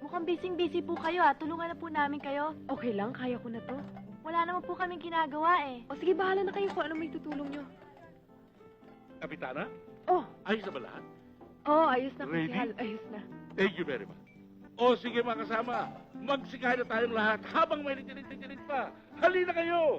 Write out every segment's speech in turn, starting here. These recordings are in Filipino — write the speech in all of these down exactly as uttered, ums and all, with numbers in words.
Mukhang busy-busy po kayo ah. Tulungan na po namin kayo. Okay lang, kaya ko na to. Wala naman po kaming ginagawa eh. O sige, bahala na kayo kung ano may tutulong nyo. Kapitana, Oh, ayos na ba lahat? oh, ayos na, Ready? Kusihal. Ayos na. Thank you very much. O sige mga kasama, magsikay na tayong lahat habang may nitilit-tilit pa. Halina kayo!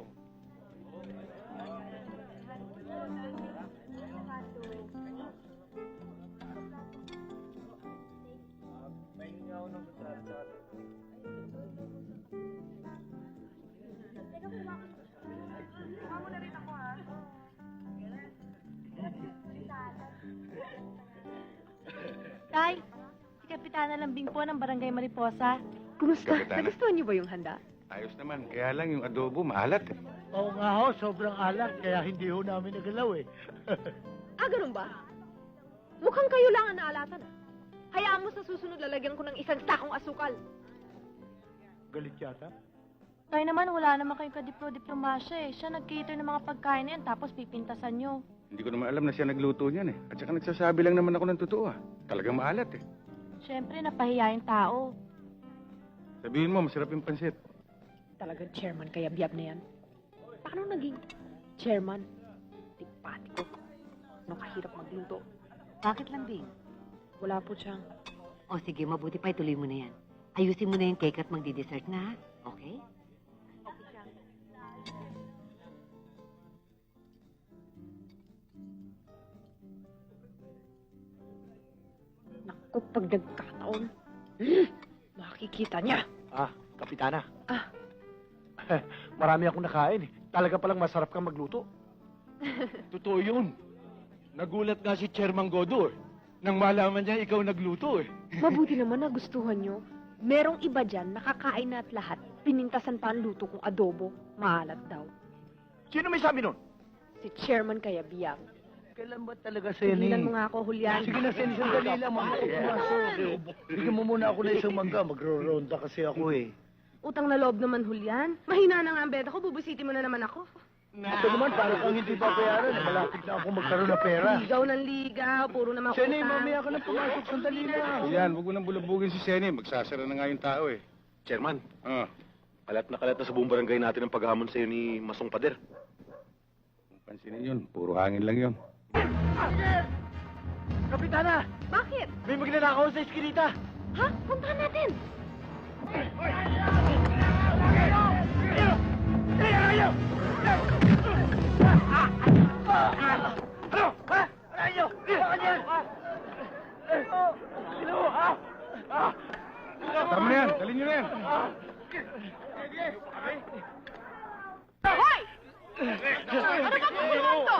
Tay, si Kapitana Lambing po ng Barangay Mariposa. Kumusta? Kapitana. Nagustuhan niyo ba yung handa? Ayos naman, kaya lang yung adobo maalat eh. Oo nga ho, sobrang alat, kaya hindi ho namin nagalaw eh. Ah, ganun ba? Mukhang kayo lang ang naalatan ah. Hayaan mo sa susunod lalagyan ko ng isang sakong asukal. Galit yata. Tay naman, wala naman kayong kadiplo-diplomasya eh. Siya nag-cater ng mga pagkain na yan, tapos pipintasan nyo. Hindi ko naman alam na siya nagluto niyan eh. At saka nagsasabi lang naman ako ng totoo ah. Talagang maalat eh. Siyempre, napahiya yung tao. Sabihin mo, masarap yung pansit. Talagang chairman kaya biyab na yan. Paano naging chairman? Tipatiko. Ano kahirap magluto? Bakit lambing? Wala po siyang. O sige, mabuti pa ituloy mo na yan. Ayusin mo na yung cake at magdi-dessert na, ha? Okay? Naku, pag nagkataon, makikita niya. Ah, Kapitana. Ah. Marami akong nakain eh. Talaga palang masarap kang magluto. Totoo yun. Nagulat nga si Chairman Godo eh. Nang malaman niya ikaw nagluto eh. Mabuti naman na gustuhan nyo. Merong iba dyan, nakakain na at lahat. Pinintasan pa ang luto kong adobo. Maalat daw. Sino may sabi nun? Si chairman kaya biyab. Kailan ba talaga, Seni? Tigilan mo nga ako, Julian. Sige na, Seni, sandali lang. Mamaya ko pumasok. Bigyan mo muna ako na isang mangga. Magro-ronda kasi ako eh. Utang na loob naman, Julian. Mahina na nga ang beda ko, bubusitin mo na naman ako. Ito naman, parang kang hindi pa bayaran. eh. Malapit na ako magkaroon ng pera. Ligaw ng ligaw, puro naman Seni, utang. mamaya ka na pumasok. Sandali lang. Yan, huwag mo nang bulabugin si Seni. Magsasara na nga yung tao eh. Chairman, Ah, kalat na kalat na sa buong barangay natin ang paghamon sa'yo ni Masong Pader. pansinin yun. Puro hangin lang yun. Kapitana, Bakit? may magnanakaw sa eskinita. Ha? Puntahan natin. Ano? Ha? Ano? Ano yan? Sino? Ha? Ha? Tama na yan. Dalhin nyo na yan. Hoy! Ano ba kung to?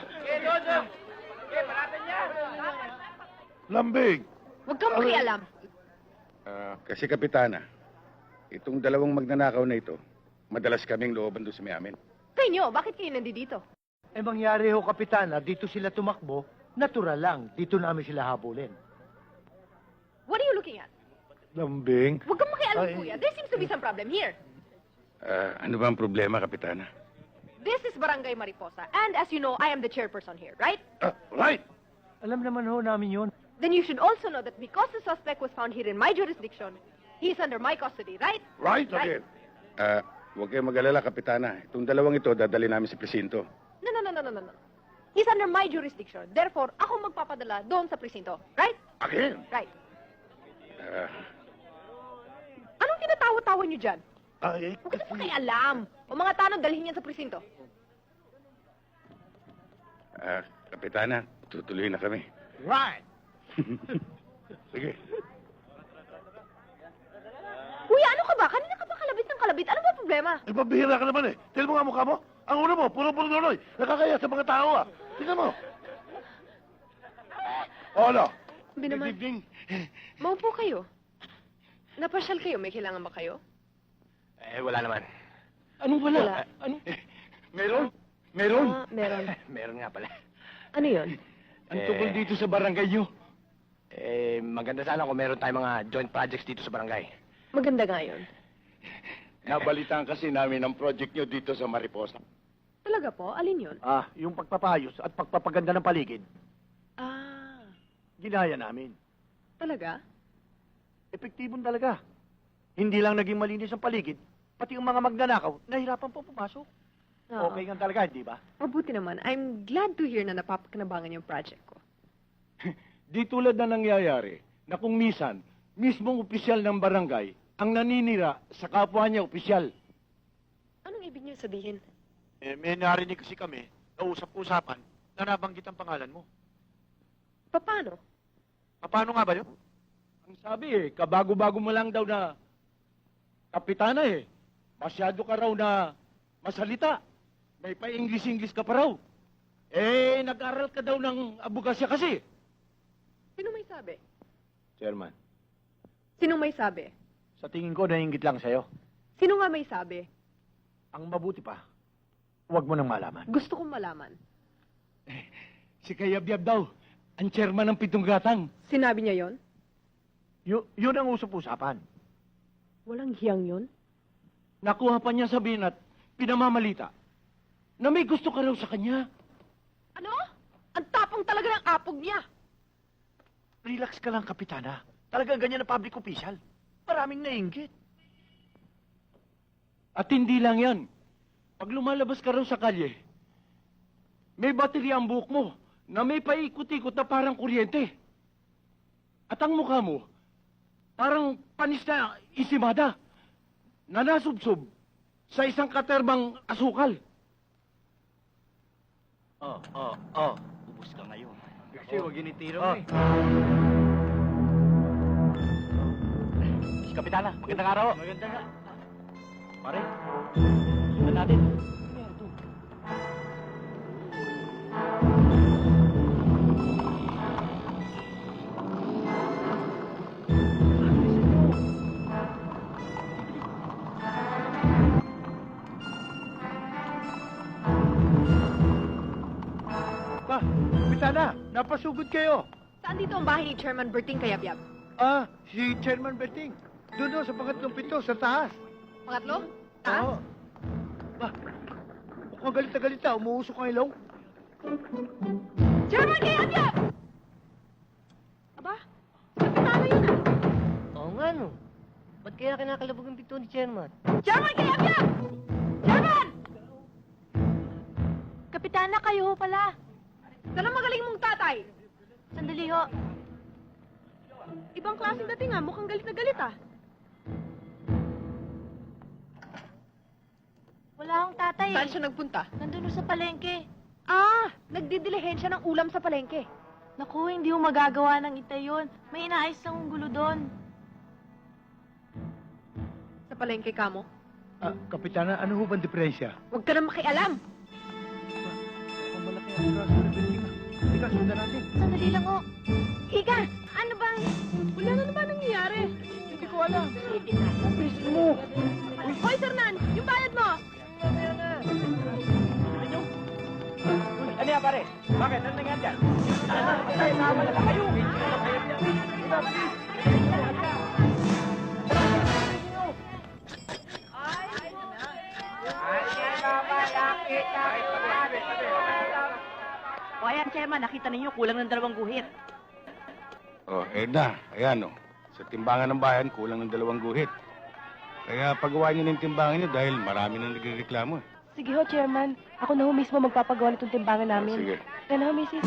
Lambing. Huwag kang makialam. Ah, kasi Kapitana, itong dalawang magnanakaw na ito, madalas kaming looban doon sa may amin. Kayo, bakit kayo nandito? Eh, mangyari ho, Kapitana, dito sila tumakbo, natural lang. Dito namin sila habulin. What are you looking at? Lambing? Huwag kang makialam, Ay. kuya. There seems to be some problem here. Ah, ano ba ang problema, Kapitana? This is Barangay Mariposa. And as you know, I am the chairperson here, right? Ah, right! Alam naman ho namin yun. Then you should also know that because the suspect was found here in my jurisdiction, he is under my custody, right? Right Right. again. Ah, huwag kayong mag-alala, Kapitana. Itong dalawang ito, dadali namin sa presinto. No, no, no, no, no, no, no. He's under my jurisdiction. Therefore, ako magpapadala doon sa presinto. Right? Again? Right. Ah, Anong tinatawa-tawa niyo dyan? Ay, Huwag kasi pakialam. O mga tanong, dalhin yan sa presinto. ah, Kapitana, tutuloy na kami. right. Sige. Kuya, ano ka ba? Kanina ka ba kalabit ng kalabit? Ano ba problema? Ay, pabihira ka naman eh. Tignan mo nga mukha mo. Ang ulo mo, puro-puro nuloy. Nakakaya sa mga tao ah. Tignan mo. O ano? Sabi naman, maupo kayo. Napasyal kayo. May kailangan ba kayo? Eh, wala naman. Anong wala? Wala. Ano? Meron? Meron? Ah, meron. Meron nga pala. Ano yun? Ang tungkol dito sa barangay nyo. Eh, maganda sana kung meron tayong mga joint projects dito sa barangay. Maganda nga yun. Nabalitaan kasi namin ang project nyo dito sa Mariposa. Talaga po? Alin yun? Ah, yung pagpapayos at pagpapaganda ng paligid, Ah, ginaya namin. talaga? Epektibon talaga. Hindi lang naging malinis ang paligid, pati yung mga magnanakaw, nahirapan po pumasok. Oo. Okay nga talaga, di ba? Mabuti naman. I'm glad to hear na napapakinabangan yung project ko. Di tulad na nangyayari na kung misan, mismong opisyal ng barangay ang naninira sa kapwa niya opisyal. Anong ibig niyo sabihin? Eh, may narinig kasi kami, na usap-usapan, na nabanggit ang pangalan mo. Paano? Paano nga ba yun? Ang sabi eh, kabago-bago mo lang daw na kapitana eh. Masyado ka raw na masalita. May pa-English-English ka pa raw. Eh, nag-aral ka daw ng abogasya kasi. Sino may sabi? Chairman, Sino may sabi? sa tingin ko, nainggit lang sa'yo. Sino nga may sabi? Ang mabuti pa, huwag mo nang malaman. Gusto kong malaman. Si Kayabyab daw, ang chairman ng Pitong Gatang. Sinabi niya yon? Yu- yun ang usap-usapan. Walang hiyang yon? Nakuha pa niya sabihin at pinamamalita na may gusto ka raw sa kanya. Ano? Ang tapang talaga ng apog niya. Relax ka lang, Kapitana. Talaga ganyan na public official. Maraming nainggit. At hindi lang yan. Pag lumalabas ka raw sa kalye, may baterya ang buhok mo na may paikot-ikot na parang kuryente. At ang mukha mo, parang panis na isimada na nasubsob sa isang katerbang asukal. Oh, oh, oh. Ubus ka ngayon. Kasi wag initiro Oh. eh. Si Kapitana, magandang araw. Maganda nga. Pare, sundan natin. Pa, Kapitana, napasugod kayo. Saan dito ang bahay ni Chairman Berting Kayabyab? Ah, si Chairman Betting. Doon daw sa pangatlong pito, sa taas. Pangatlo? Taas? Oo. Ba, mukhang galit na galit na. Umuusok ang ilaw. Chairman Kayabyab! Aba, kapitana yun ah. Oo nga, no. Ba't kaya kinakalabog ang pito ni Chairman? Chairman Kayabyab! Chairman! Kapitana, kayo ho pala. Saan ang magaling mong tatay? Sandali ho. Ibang klaseng dating ah. Mukhang galit na galit ah. Wala akong tatay Saan eh. siya nagpunta? Nandun ho sa palengke. Ah, nagdidilihensya ng ulam sa palengke. Naku, hindi ho magagawa ng itay yun. May inaayos lang ang gulo doon. Sa palengke ka mo? Ah, Kapitana, ano ho bang diferensya? Huwag ka na makialam. Ang malaki ang kaso ni Betting. Hindi ka, sundan natin. Sandali lang ho. Ika, ano bang... Wala na naman nangyayari. Hindi ko alam. Please mo. Hoy, Sernan, yung bayad mo. Ano yan, pare? Bakit? Ano nangyari dyan? Ay, tama na kayo. O ayan, Chairman, nakita ninyo kulang ng dalawang guhit. Oh, Edna, ayan oh. Sa timbangan ng bayan, kulang ng dalawang guhit. Kaya pagawa niyo ng timbangan niyo dahil marami nang nagreklamo. Sige ho, Chairman. Ako na ho mismo magpapagawa nitong timbangan namin. Sige. Yan ho, Missus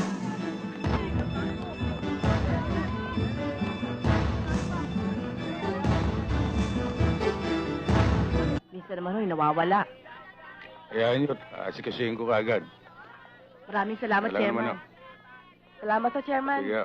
Minsan naman ho'y nawawala. Kaya nyo, asikasuhin ko kagad. Maraming salamat, Wala naman Chairman. oh. Salamat sa Chairman. Sige.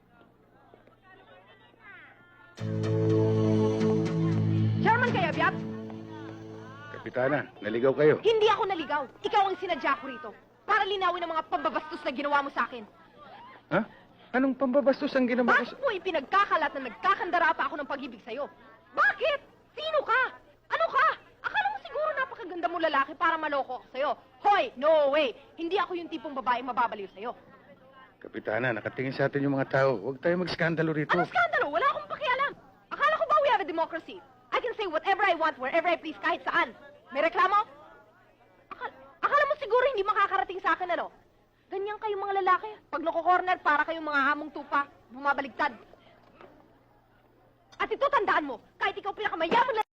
Chairman Kayabyab, Kapitana, naligaw kayo. hindi ako naligaw. Ikaw ang sinadya ko rito. Para linawin ang mga pambabastos na ginawa mo sa akin. Ha? Anong pambabastos ang ginawa ko Bakit mo ipinagkakalat na nagkakandara pa ako ng pag-ibig sa'yo? Bakit? Sino ka? Ano ka? Akala mo siguro napakaganda mo lalaki para maloko ako sa'yo. Hoy, no way! Hindi ako yung tipong babaeng mababaliw sa'yo. Kapitana, nakatingin sa atin yung mga tao. Huwag tayo magskandalo rito. Ano skandalo? Wala akong pakialam. Akala ko ba we have a democracy? I can say whatever I want, wherever I please, kahit saan. May reklamo? Akala, akala mo siguro hindi makakarating sa akin, ano? Ganyan kayong mga lalaki. Pag nako-corner, para kayong mga hamong tupa. Bumabaligtad. At ito, tandaan mo, kahit ikaw pinakamayaman na